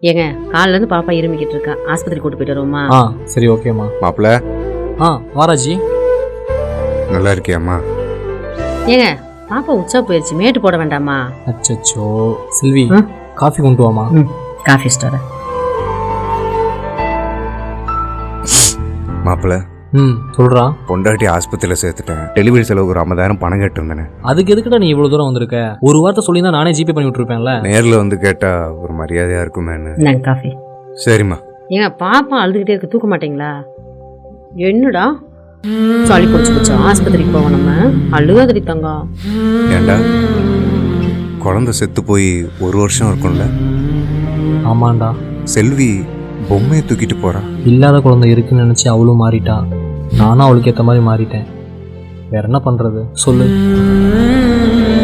ஏங்க காலைல இருந்து பாப்பா இருமிக்கிட்டு இருக்கா, ஆஸ்பத்திரி கூட்டு போயிட்டு வருவோமா? சரி ஓகேம்மா. மாப்பிள்ள வாராஜி நல்லா இருக்கியாம்மா? ஏங்க பாப்பா உச்சா போயிடுச்சு, மேட்டு போட வேண்டாமா? அச்சோ செல்வி காஃபி கொண்டு வாமா. Coffee star. மாப்பிள்ள சொல்றா. பொண்டாட்டி ஆஸ்பத்திரியில் சேர்த்துட்டேன். டெலிவரி செலவுக்கு ஒரு 50,000 பணம் கேட்டிருந்தேனே. அதுக்கு எதுக்குடா நீ இவ்வளவு தூரம் வந்திருக்க? ஒரு வார்த்தை சொல்லி தான் நானே ஜிபே பண்ணி விட்டுருப்பேன்ல. நேரில் வந்து கேட்டா ஒரு மரியாதையா இருக்குமேன்னு. நாங்க காஃபி. சரிம்மா. ஏங்க பாப்பா அழுதுகிட்டே இருக்கு, தூக்க மாட்டீங்களா? என்னடா சளி பிடிச்சி போச்சா? ஆஸ்பத்திரிக்கு போவோம் நம்ம. அழுகாதடி தங்கம். ஏண்டா குழந்தை செத்து போய் 1 வருஷம் இருக்கும்ல? ஆமாண்டா. செல்வி பொம்மையை தூக்கிட்டு போறா. இல்லாத குழந்தை இருக்குன்னு நினைச்சு அவளும் மாறிட்டா, நானும் அவளுக்கு ஏற்ற மாதிரி மாறிட்டேன். வேற என்ன பண்றது சொல்லு?